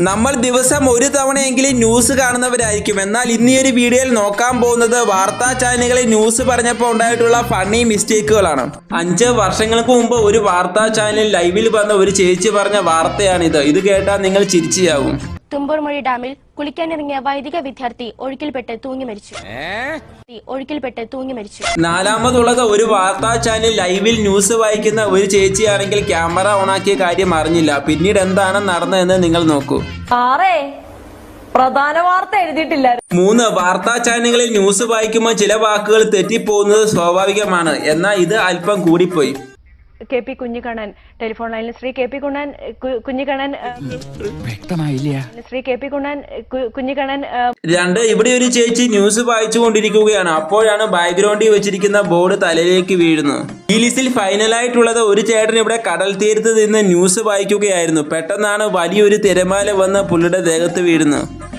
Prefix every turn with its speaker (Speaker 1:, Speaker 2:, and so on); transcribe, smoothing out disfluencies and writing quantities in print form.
Speaker 1: നമ്മൾ ദിവസം ഒരു തവണയെങ്കിലും ന്യൂസ് കാണുന്നവരായിരിക്കും. എന്നാൽ ഇന്ന് ഈ ഒരു വീഡിയോയിൽ നോക്കാൻ പോകുന്നത് വാർത്താ ചാനലുകളിൽ ന്യൂസ് പറഞ്ഞപ്പോൾ ഉണ്ടായിട്ടുള്ള ഫണ്ണി മിസ്റ്റേക്കുകളാണ്. 5 വർഷങ്ങൾക്ക് മുമ്പ് ഒരു വാർത്താ ചാനലിൽ ലൈവിൽ വന്ന ഒരു ചേച്ചി പറഞ്ഞ വാർത്തയാണിത്. ഇത് കേട്ടാൽ നിങ്ങൾ ചിരിച്ചാവും.
Speaker 2: തുമ്പൂർമൊഴി ഡാമിൽ കുളിക്കാനിറങ്ങിയ വൈദിക വിദ്യാർത്ഥി ഒഴുക്കിൽപ്പെട്ട് തൂങ്ങി മരിച്ചു.
Speaker 1: നാലാമതുള്ളത് ഒരു വാർത്താ ചാനൽ ലൈവിൽ ന്യൂസ് വായിക്കുന്ന ഒരു ചേച്ചിയാണെങ്കിൽ ക്യാമറ ഓണാക്കിയ കാര്യം അറിഞ്ഞില്ല. പിന്നീട് എന്താണ് നടന്നതെന്ന് നിങ്ങൾ നോക്കൂ.
Speaker 3: പ്രധാന വാർത്ത എഴുതിയിട്ടില്ല.
Speaker 1: 3 വാർത്താ ചാനലുകളിൽ ന്യൂസ് വായിക്കുമ്പോൾ ചില വാക്കുകൾ തെറ്റിപ്പോകുന്നത് സ്വാഭാവികമാണ്. എന്നാൽ ഇത് അല്പം കൂടിപ്പോയി.
Speaker 3: KP കുഞ്ഞിക്കണ്ണൻ ടെലിഫോൺ ലൈനിൽ ശ്രീ KP കുഞ്ഞിക്കണ്ണൻ
Speaker 4: വ്യക്തമായില്ല.
Speaker 3: ശ്രീ KP കുഞ്ഞിക്കണ്ണൻ
Speaker 1: 2 ഇവിടെ ഒരു ചേച്ചി ന്യൂസ് വായിച്ചു കൊണ്ടിരിക്കുകയാണ്. അപ്പോഴാണ് ബാക്ക്ഗ്രൗണ്ടിൽ വെച്ചിരിക്കുന്ന ബോർഡ് തലയിലേക്ക് വീഴുന്നത്. ഈ ലിസ്റ്റിൽ ഫൈനലായിട്ടുള്ളത് ഒരു ചേട്ടൻ ഇവിടെ കടൽ തീരത്ത് നിന്ന് ന്യൂസ് വായിക്കുകയായിരുന്നു. പെട്ടെന്നാണ് വലിയൊരു തിരമാല വന്ന് പുള്ളിയുടെ ദേഹത്ത് വീഴുന്നത്.